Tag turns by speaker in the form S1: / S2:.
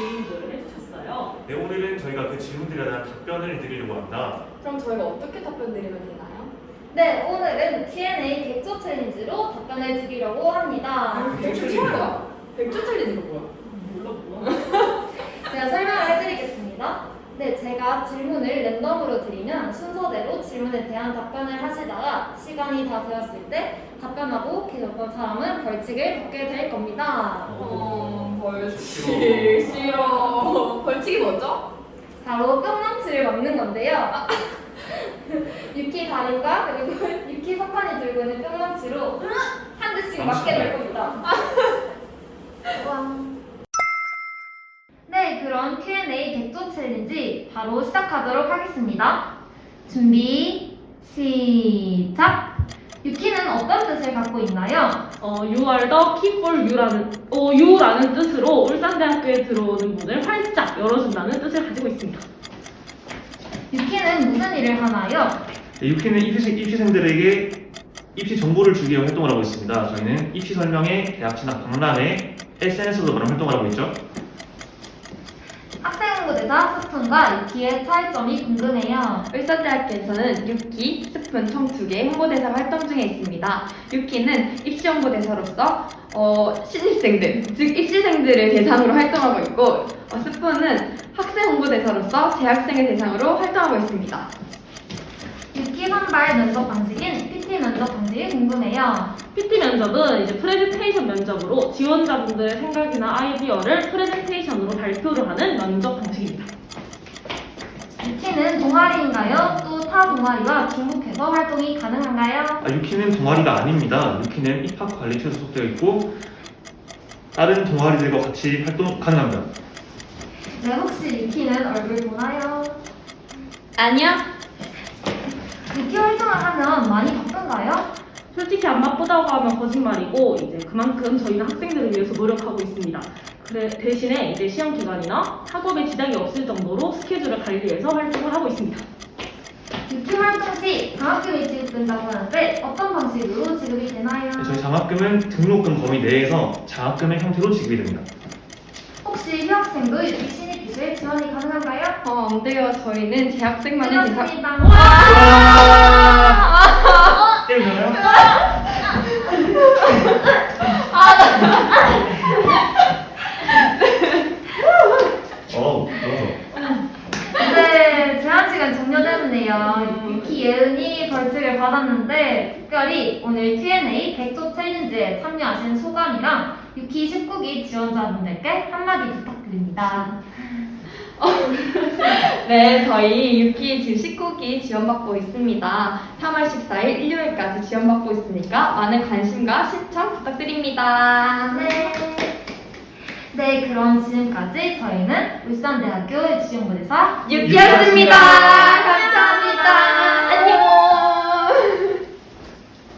S1: 질문들을 해주셨어요.
S2: 네, 오늘은 저희가 그 질문들에 대한 답변을 드리려고 합니다.
S3: 그럼 저희가 어떻게 답변 드리면 되나요?
S4: 네, 오늘은 Q&A 100조 챌린지로 답변을 드리려고 합니다.
S3: 100조 챌린지가 100조 챌린지가 뭐야?
S1: 몰라.
S4: 제가 설명을 해드리겠습니다. 네, 제가 질문을 랜덤으로 드리면 순서대로 질문에 대한 답변을 하시다가 시간이 다 되었을 때 답변하고 계셨던 사람은 벌칙을 받게 될 겁니다.
S3: 벌칙 싫어. 벌칙이 뭐죠?
S4: 바로 뿅망치를 막는 건데요. 유키 다림과 그리고 유키 석환이 들고 있는 뿅망치로 한 대씩 맞게 될 겁니다. 와. 네, 그럼 Q&A 100조 챌린지 바로 시작하도록 하겠습니다. 준비, 시작! 유키는 어떤 뜻을 갖고 있나요?
S1: You are the key for you라는 뜻으로 울산대학교에 들어오는 문을 활짝 열어준다는 뜻을 가지고 있습니다.
S4: 유키는 무슨 일을 하나요?
S2: 네, 유키는 입시생들에게 입시 정보를 주기 위해 활동을 하고 있습니다. 저희는 입시 설명회, 대학 진학 박람회, SNS도 그런 활동을 하고 있죠.
S4: 학생 홍보대사 스푼과 유키의 차이점이 궁금해요.
S5: 울산대학교에서는 6기, 스푼 총 2개의 홍보대사 활동 중에 있습니다. 6기는 입시 홍보대사로서 신입생들, 즉 입시생들을 대상으로 활동하고 있고 스푼은 학생 홍보대사로서 재학생을 대상으로 활동하고 있습니다.
S4: 유키 선발 면접 방식인 PT 면접 방식이 궁금해요.
S1: PT 면접은 이제 프레젠테이션 면접으로 지원자분들의 생각이나 아이디어를 프레젠테이션으로 발표를 하는 면접 방식입니다.
S4: 유키는 동아리인가요? 또 타 동아리와 중복해서 활동이 가능한가요?
S2: 유키는 동아리가 아닙니다. 유키는 입학관리처에 소속되어 있고 다른 동아리들과 같이 활동 가능합니다.
S4: 네, 혹시 유키는 얼굴 보나요?
S5: 아니요.
S4: 유키 활동을 하면 많이 바쁜가요?
S1: 솔직히 안 바쁘다고 하면 거짓말이고 이제 그만큼 저희는 학생들을 위해서 노력하고 있습니다. 대신에 이제 시험 기간이나 학업에 지장이 없을 정도로 스케줄을 관리해서 활동을 하고 있습니다.
S4: 유키 활동 시 장학금이 지급된다고 하는데 어떤 방식으로 지급이 되나요?
S2: 저희 장학금은 등록금 범위 내에서 장학금의 형태로 지급이 됩니다.
S4: 혹시 휴학생도 유키 신입 기술 지원이 가능한가요?
S5: 안 돼요. 저희는 재학생만이 대상.
S4: 그렇습니다.
S2: 때리나요? 너무
S4: 네, 제한 시간 종료되었네요. 유키 예은이 벌칙을 받았는데 특별히 오늘 Q&A 100조 챌린지에 참여하신 소감이랑 유키 19기 지원자분들께 한마디 부탁드립니다.
S5: 네, 저희 6기 지금 19기 지원받고 있습니다. 3월 14일 일요일까지 지원받고 있으니까 많은 관심과 신청 부탁드립니다.
S4: 네. 네, 그럼 지금까지 저희는 울산대학교 입시홍보대사
S5: 6기였습니다. 감사합니다.